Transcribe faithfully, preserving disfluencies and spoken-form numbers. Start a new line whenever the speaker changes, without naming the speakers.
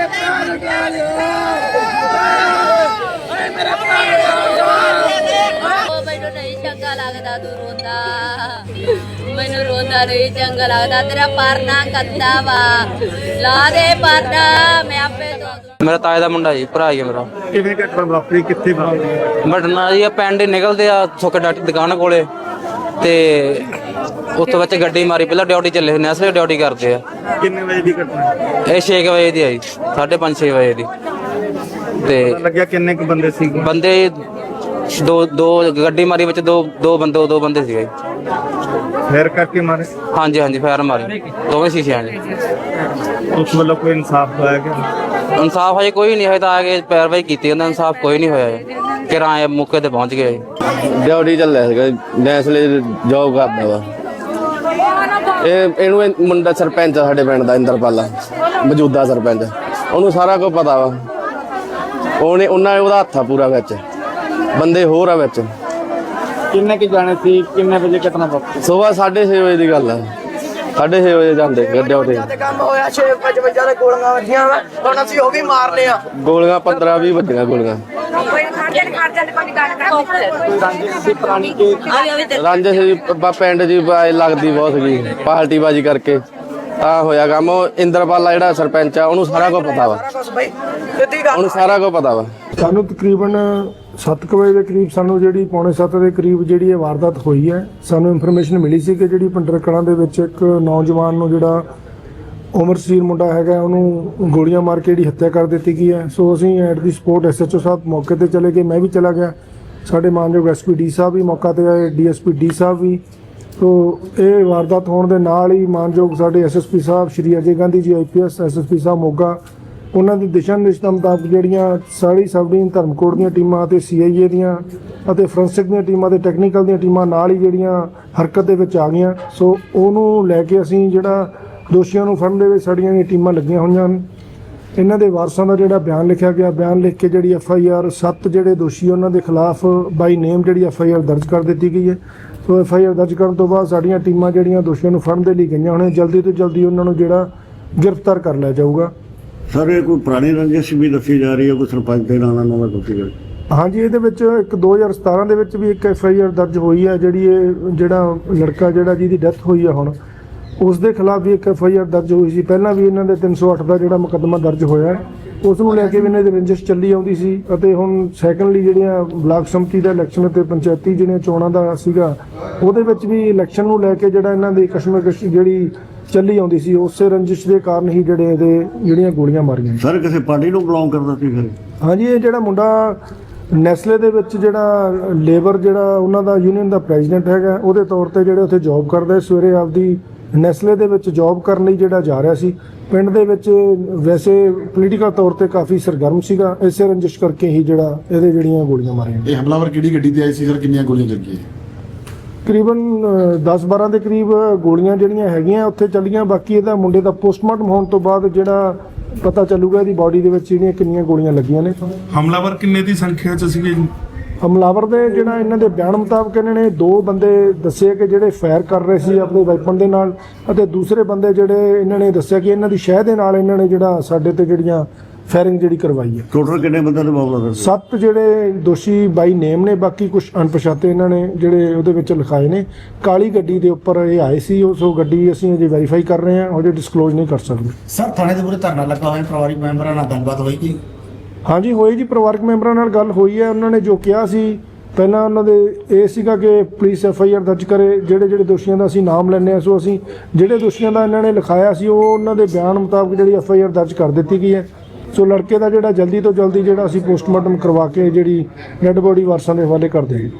ਮੈਨੂੰ ਨਹੀਂ ਚੰਗਾ ਲੱਗਦਾ ਤੂੰ ਰੋਂਦਾ, ਮੈਨੂੰ ਰੋਂਦਾ ਨਹੀਂ ਚੰਗਾ ਲੱਗਦਾ। ਤੇਰਾ ਪਰਨਾ ਕੱਦਾ ਵਾ, ਲਾ ਦੇ ਪਰਨਾ, ਮੈਂ ਆਪੇ ਤੋਂ।
ਮੇਰਾ ਤਾਏ ਦਾ ਮੁੰਡਾ ਜੀ, ਭਰਾ ਹੀ ਮੇਰਾ।
ਕਿਵੇਂ ਘਟਨਾ ਵਾਪਰੀ, ਕਿੱਥੇ ਵਾਪਰੀ?
ਬਟਨਾ ਜੀ ਪਿੰਡ ਨਿਕਲਦੇ ਆ ਸੁੱਕੇ ਡਾਟੀ ਦੁਕਾਨ ਕੋਲੇ, ਤੇ ਉੱਥੋਂ ਵਿੱਚ ਗੱਡੀ ਮਾਰੀ। ਪਹਿਲਾਂ ਡਿਊਟੀ ਚੱਲੇ ਹੁੰਦੇ, ਅਸਲੇ ਡਿਊਟੀ ਕਰਦੇ ਆ।
ਕਿੰਨੇ ਵਜੇ ਦੀ ਘਟਨਾ?
ਇਹ ਛੇ ਕੁ ਵਜੇ ਦੀ ਆਈ, ਸਾਢੇ ਪੰਜ ਛੇ ਵਜੇ ਦੀ। ਤੇ
ਲੱਗਿਆ ਕਿੰਨੇ ਕੁ ਬੰਦੇ ਸੀ?
ਬੰਦੇ ਦੋ ਦੋ ਗੱਡੀ ਮਾਰੀ ਵਿੱਚ ਦੋ ਦੋ ਬੰਦੇ ਦੋ ਬੰਦੇ ਸੀਗੇ।
ਫੇਰ ਕਰਕੇ ਮਾਰੇ?
ਹਾਂਜੀ ਹਾਂਜੀ, ਫਾਇਰ ਮਾਰੇ ਦੋਵੇਂ ਸ਼ੀਸ਼ਿਆਂ ਨੇ।
ਉਸ ਵੱਲੋਂ ਕੋਈ ਇਨਸਾਫ ਹੋਇਆ ਕਿ?
ਇਨਸਾਫ ਹਜੇ ਕੋਈ ਨਹੀਂ ਹੋਇਆ, ਤਾਂ ਆ ਕੇ ਪੈਰਵਾਈ ਕੀਤੀ ਉਹਨਾਂ। ਇਨਸਾਫ ਕੋਈ ਨਹੀਂ ਹੋਇਆ, ਕਿਰਾਏ ਮੌਕੇ ਤੇ ਪਹੁੰਚ ਗਏ।
ਡਿਊਟੀ ਚੱਲਿਆ ਸੀਗਾ, ਨੈਸਲੇ ਜੋਬ ਕਰਦਾ ਵਾ ਇਹ। ਇਹਨੂੰ ਇਹ ਮੁੰਡਾ ਸਰਪੰਚ ਆ ਸਾਡੇ ਪਿੰਡ ਦਾ, ਇੰਦਰਪਾਲਾ, ਮੌਜੂਦਾ ਸਰਪੰਚ। ਉਹਨੂੰ ਸਾਰਾ ਕੁਝ ਪਤਾ ਵਾ। ਉਹਨੇ ਉਹਨਾਂ ਨੇ ਉਹਦਾ ਹੱਥ ਆ ਪੂਰਾ ਵਿੱਚ, ਬੰਦੇ ਹੋਰ ਆ ਵਿੱਚ।
ਕਿੰਨੇ ਕੁ ਜਾਣੇ ਸੀ? ਕਿੰਨੇ ਵਜੇ ਘਟਨਾ ਵਾਪਰੀ?
ਸੁਬਾਹ ਸਾਢੇ ਛੇ ਵਜੇ ਦੀ ਗੱਲ ਆ। ਸਾਢੇ ਛੇ ਵਜੇ ਜਾਂਦੇ ਡਿਊਟੀ।
ਕੰਮ ਹੋਇਆ ਛੇ ਪਚਵੰਜਾ ਦੇ ਗੋਲੀਆਂ ਵੱਜੀਆਂ ਵਾ, ਹੁਣ ਅਸੀਂ ਉਹ ਵੀ ਮਾਰਨੇ ਆ।
ਗੋਲੀਆਂ ਪੰਦਰਾਂ ਵੀਹ ਵੱਜੀਆਂ ਗੋਲੀਆਂ। ਰਾਂਝੇ ਸੀ ਪਿੰਡ ਜੀ, ਲੱਗਦੀ ਬਹੁਤ ਸੀਗੀ ਪਾਰਟੀ ਬਾਜੀ ਕਰਕੇ ਆ ਹੋਇਆ ਕੰਮ। ਉਹ ਇੰਦਰਪਾਲਾ ਜਿਹੜਾ ਸਰਪੰਚ ਆ, ਉਹਨੂੰ ਸਾਰਾ ਕੁਝ ਪਤਾ ਵਾ। ਉਹਨੂੰ ਸਾਰਾ ਕੁਝ ਪਤਾ ਵਾ।
ਸਾਨੂੰ ਤਕਰੀਬਨ ਸੱਤ ਕੁ ਵਜੇ ਦੇ ਕਰੀਬ ਸਾਨੂੰ ਜਿਹੜੀ ਪੌਣੇ ਸੱਤ ਦੇ ਕਰੀਬ ਜਿਹੜੀ ਇਹ ਵਾਰਦਾਤ ਹੋਈ ਹੈ, ਸਾਨੂੰ ਇਨਫੋਰਮੇਸ਼ਨ ਮਿਲੀ ਸੀ ਕਿ ਜਿਹੜੀ ਪਿੰਡਰ ਕਲਾਂ ਦੇ ਵਿੱਚ ਇੱਕ ਨੌਜਵਾਨ ਨੂੰ ਜਿਹੜਾ ਉਮਰਸੀਰ ਮੁੰਡਾ ਹੈਗਾ, ਉਹਨੂੰ ਗੋਲੀਆਂ ਮਾਰ ਕੇ ਜਿਹੜੀ ਹੱਤਿਆ ਕਰ ਦਿੱਤੀ ਗਈ ਹੈ। ਸੋ ਅਸੀਂ at the spot S H O sahib ਮੌਕੇ ਤੇ ਚਲੇ ਗਏ, ਮੈਂ ਵੀ ਚਲਾ ਗਿਆ। ਸਾਡੇ ਮਾਨਯੋਗ ਐਸ ਪੀ ਡੀ ਸਾਹਿਬ ਵੀ ਮੌਕਾ ਤੇ ਆਏ, D S P D sahib ਵੀ। ਸੋ ਇਹ ਵਾਰਦਾਤ ਹੋਣ ਦੇ ਨਾਲ ਹੀ ਮਾਨਯੋਗ ਸਾਡੇ S S P sahib Shri Ajay Gandhi ji I P S, S S P sahib Moga, ਉਹਨਾਂ ਦੀ ਦਿਸ਼ਾ ਨਿਰਦੇਸ਼ਾਂ ਮੁਤਾਬਕ ਜਿਹੜੀਆਂ ਸਾਰੀ ਸਬ ਡਿਵੀਜ਼ਨ ਧਰਮਕੋਟ ਦੀਆਂ ਟੀਮਾਂ ਅਤੇ ਸੀ ਆਈ ਏ ਦੀਆਂ ਅਤੇ ਫੋਰੈਂਸਿਕ ਦੀਆਂ ਟੀਮਾਂ ਅਤੇ ਟੈਕਨੀਕਲ ਦੀਆਂ ਟੀਮਾਂ ਨਾਲ ਹੀ ਜਿਹੜੀਆਂ ਹਰਕਤ ਦੇ ਵਿੱਚ ਆ ਗਈਆਂ। ਸੋ ਉਹਨੂੰ ਲੈ ਕੇ ਅਸੀਂ ਜਿਹੜਾ ਦੋਸ਼ੀਆਂ ਨੂੰ ਫੜਨ ਦੇ ਵਿੱਚ ਸਾਡੀਆਂ ਇਹ ਟੀਮਾਂ ਲੱਗੀਆਂ ਹੋਈਆਂ ਹਨ। ਇਹਨਾਂ ਦੇ ਵਾਰਸਾਂ ਦਾ ਜਿਹੜਾ ਬਿਆਨ ਲਿਖਿਆ ਗਿਆ, ਬਿਆਨ ਲਿਖ ਕੇ ਜਿਹੜੀ ਐਫ ਆਈ ਆਰ ਸੱਤ ਜਿਹੜੇ ਦੋਸ਼ੀ ਉਹਨਾਂ ਦੇ ਖਿਲਾਫ ਬਾਈ ਨੇਮ ਜਿਹੜੀ ਐਫ ਆਈ ਆਰ ਦਰਜ ਕਰ ਦਿੱਤੀ ਗਈ ਹੈ। ਸੋ ਐਫ ਆਈ ਆਰ ਦਰਜ ਕਰਨ ਤੋਂ ਬਾਅਦ ਸਾਡੀਆਂ ਟੀਮਾਂ ਜਿਹੜੀਆਂ ਦੋਸ਼ੀਆਂ ਨੂੰ ਫੜਨ ਦੇ ਲਈ ਗਈਆਂ ਹੋਣੀਆਂ, ਜਲਦੀ ਤੋਂ ਜਲਦੀ ਉਹਨਾਂ ਨੂੰ ਜਿਹੜਾ ਗ੍ਰਿਫਤਾਰ ਕਰ ਲਿਆ ਜਾਊਗਾ।
ਸਰ ਇਹ ਕੋਈ ਪੁਰਾਣੀ ਰੰਜਿਸ਼ ਵੀ ਦੱਸੀ ਜਾ ਰਹੀ ਹੈ, ਕੋਈ ਸਰਪੰਚ ਦੇ ਨਾਂ ਨਾਲ ਦੱਸੀ ਜਾ ਰਹੀ?
ਹਾਂਜੀ, ਇਹਦੇ ਵਿੱਚ ਇੱਕ ਦੋ ਹਜ਼ਾਰ ਸਤਾਰਾਂ ਦੇ ਵਿੱਚ ਵੀ ਇੱਕ ਐਫ ਆਈ ਆਰ ਦਰਜ ਹੋਈ ਹੈ। ਜਿਹੜੀ ਇਹ ਜਿਹੜਾ ਲੜਕਾ ਜਿਹੜਾ ਜਿਹਦੀ ਡੈਥ ਹੋਈ ਹੈ ਹੁਣ, ਉਸ ਦੇ ਖਿਲਾਫ ਵੀ ਇੱਕ ਐਫ ਆਈ ਆਰ ਦਰਜ ਹੋਈ ਸੀ। ਪਹਿਲਾਂ ਵੀ ਇਹਨਾਂ ਦੇ ਤਿੰਨ ਸੌ ਅੱਠ ਦਾ ਜਿਹੜਾ ਮੁਕੱਦਮਾ ਦਰਜ ਹੋਇਆ ਹੈ, ਉਸ ਨੂੰ ਲੈ ਕੇ ਵੀ ਇਹਨਾਂ ਦੀ ਰੰਜਿਸ਼ ਚੱਲੀ ਆਉਂਦੀ ਸੀ। ਅਤੇ ਹੁਣ ਸੈਕੰਡਲੀ ਜਿਹੜੀਆਂ ਬਲਾਕ ਸੰਮਤੀ ਦਾ ਇਲੈਕਸ਼ਨ ਅਤੇ ਪੰਚਾਇਤੀ ਜਿਹੜੀਆਂ ਚੋਣਾਂ ਦਾ ਸੀਗਾ, ਉਹਦੇ ਵਿੱਚ ਵੀ ਇਲੈਕਸ਼ਨ ਨੂੰ ਲੈ ਕੇ ਜਿਹੜਾ ਇਹਨਾਂ ਦੀ ਕਸ਼ਮਕਸ਼ ਜਿਹੜੀ ਚੱਲੀ ਆਉਂਦੀ ਸੀ, ਉਸੇ ਰੰਜਿਸ਼ ਦੇ ਕਾਰਨ ਹੀ ਜਿਹੜੇ ਇਹਦੇ ਜਿਹੜੀਆਂ ਗੋਲੀਆਂ ਮਾਰੀਆਂ।
ਸਰ ਕਿਸੇ ਪਾਰਟੀ ਨੂੰ ਬਿਲੋਂਗ ਕਰਦਾ ਸੀ ਫਿਰ?
ਹਾਂਜੀ, ਇਹ ਜਿਹੜਾ ਮੁੰਡਾ ਨੈਸਲੇ ਦੇ ਵਿੱਚ ਜਿਹੜਾ ਲੇਬਰ ਜਿਹੜਾ ਉਹਨਾਂ ਦਾ ਯੂਨੀਅਨ ਦਾ ਪ੍ਰੈਜ਼ੀਡੈਂਟ ਹੈਗਾ, ਉਹਦੇ ਤੌਰ ਤੇ ਜਿਹੜੇ ਉੱਥੇ ਜੌਬ ਕਰਦਾ, ਸਵੇਰੇ ਆਪਦੀ ਨੈਸਲੇ ਦੇ ਵਿੱਚ ਜੌਬ ਕਰਨ ਲਈ ਜਿਹੜਾ ਜਾ ਰਿਹਾ ਸੀ। ਪਿੰਡ ਦੇ ਵਿੱਚ ਵੈਸੇ ਪੋਲੀਟੀਕਲ ਤੌਰ ਤੇ ਕਾਫੀ ਸਰਗਰਮ ਸੀਗਾ, ਇਸੇ ਰੰਜਿਸ਼ ਕਰਕੇ ਹੀ ਜਿਹੜਾ ਇਹਦੇ ਜਿਹੜੀਆਂ ਗੋਲੀਆਂ ਮਾਰੀਆਂ।
ਇਹ ਹਮਲਾਵਰ ਕਿਹੜੀ ਗੱਡੀ ਤੇ ਆਈ ਸੀ ਸਰ? ਕਿੰਨੀਆਂ ਗੋਲੀਆਂ ਲੱਗੀਆਂ?
ਤਕਰੀਬਨ ਦਸ ਬਾਰਾਂ ਦੇ ਕਰੀਬ ਗੋਲੀਆਂ ਜਿਹੜੀਆਂ ਹੈਗੀਆਂ ਉੱਥੇ ਚੱਲੀਆਂ। ਬਾਕੀ ਇਹਦਾ ਮੁੰਡੇ ਦਾ ਪੋਸਟਮਾਰਟਮ ਹੋਣ ਤੋਂ ਬਾਅਦ ਜਿਹੜਾ ਪਤਾ ਚੱਲੂਗਾ ਇਹਦੀ ਬਾਡੀ ਦੇ ਵਿੱਚ ਜਿਹੜੀਆਂ ਕਿੰਨੀਆਂ ਗੋਲੀਆਂ ਲੱਗੀਆਂ ਨੇ।
ਹਮਲਾਵਰ ਕਿੰਨੇ ਦੀ ਸੰਖਿਆ ਚ ਸੀਗੇ?
ਹਮਲਾਵਰ ਦੇ ਜਿਹੜਾ ਇਹਨਾਂ ਦੇ ਬਿਆਨ ਮੁਤਾਬਕ ਇਹਨਾਂ ਨੇ ਦੋ ਬੰਦੇ ਦੱਸੇ ਕਿ ਜਿਹੜੇ ਫਾਇਰ ਕਰ ਰਹੇ ਸੀ ਆਪਣੇ ਵੈਪਨ ਦੇ ਨਾਲ, ਅਤੇ ਦੂਸਰੇ ਬੰਦੇ ਜਿਹੜੇ ਇਹਨਾਂ ਨੇ ਦੱਸਿਆ ਕਿ ਇਹਨਾਂ ਦੀ ਸ਼ਹਿ ਦੇ ਨਾਲ ਇਹਨਾਂ ਨੇ ਜਿਹੜਾ ਸਾਡੇ ਤੇ ਜਿਹੜੀਆਂ ਫਾਇਰਿੰਗ ਜਿਹੜੀ ਕਰਵਾਈ ਹੈ।
ਟੋਟਲ ਕਿੰਨੇ ਬੰਦੇ ਦਾ ਮਾਮਲਾ ਸਰ?
ਸੱਤ ਜਿਹੜੇ ਦੋਸ਼ੀ ਬਾਈ ਨੇਮ ਨੇ, ਬਾਕੀ ਕੁਝ ਅਣਪਛਾਤੇ ਇਹਨਾਂ ਨੇ ਜਿਹੜੇ ਉਹਦੇ ਵਿੱਚ ਲਿਖਾਏ ਨੇ। ਕਾਲੀ ਗੱਡੀ ਦੇ ਉੱਪਰ ਇਹ ਆਏ ਸੀ, ਉਸ ਉਹ ਗੱਡੀ ਅਸੀਂ ਅਜੇ ਵੈਰੀਫਾਈ ਕਰ ਰਹੇ ਹਾਂ, ਉਹਦੇ ਡਿਸਕਲੋਜ਼ ਨਹੀਂ ਕਰ ਸਕਦੇ।
ਸਰ ਥਾਣੇ ਦੇ ਮੂਹਰੇ ਧਰਨਾ ਲੱਗਾ ਹੋਇਆ, ਪਰਿਵਾਰਿਕ ਮੈਂਬਰਾਂ ਨਾਲ ਗੱਲਬਾਤ ਹੋਈ ਕੀ?
ਹਾਂਜੀ ਹੋਈ ਜੀ, ਪਰਿਵਾਰਕ ਮੈਂਬਰਾਂ ਨਾਲ ਗੱਲ ਹੋਈ ਹੈ। ਉਹਨਾਂ ਨੇ ਜੋ ਕਿਹਾ ਸੀ ਪਹਿਲਾਂ, ਉਹਨਾਂ ਦੇ ਇਹ ਸੀਗਾ ਕਿ ਪੁਲਿਸ ਐਫ ਆਈ ਆਰ ਦਰਜ ਕਰੇ, ਜਿਹੜੇ ਜਿਹੜੇ ਦੋਸ਼ੀਆਂ ਦਾ ਅਸੀਂ ਨਾਮ ਲੈਂਦੇ ਹਾਂ। ਸੋ ਅਸੀਂ ਜਿਹੜੇ ਦੋਸ਼ੀਆਂ ਦਾ ਇਹਨਾਂ ਨੇ ਲਿਖਾਇਆ ਸੀ, ਉਹ ਉਹਨਾਂ ਦੇ ਬਿਆਨ ਮੁਤਾਬਕ ਜਿਹੜੀ ਐਫ ਆਈ ਆਰ ਦਰਜ ਕਰ ਦਿੱਤੀ ਗਈ ਹੈ। ਸੋ ਲੜਕੇ ਦਾ ਜਿਹੜਾ ਜਲਦੀ ਤੋਂ ਜਲਦੀ ਜਿਹੜਾ ਅਸੀਂ ਪੋਸਟਮਾਰਟਮ ਕਰਵਾ ਕੇ ਜਿਹੜੀ ਡੈੱਡ ਬੋਡੀ ਵਾਰਸਾਂ ਦੇ ਹਵਾਲੇ ਕਰ ਦੇਵਾਂਗੇ।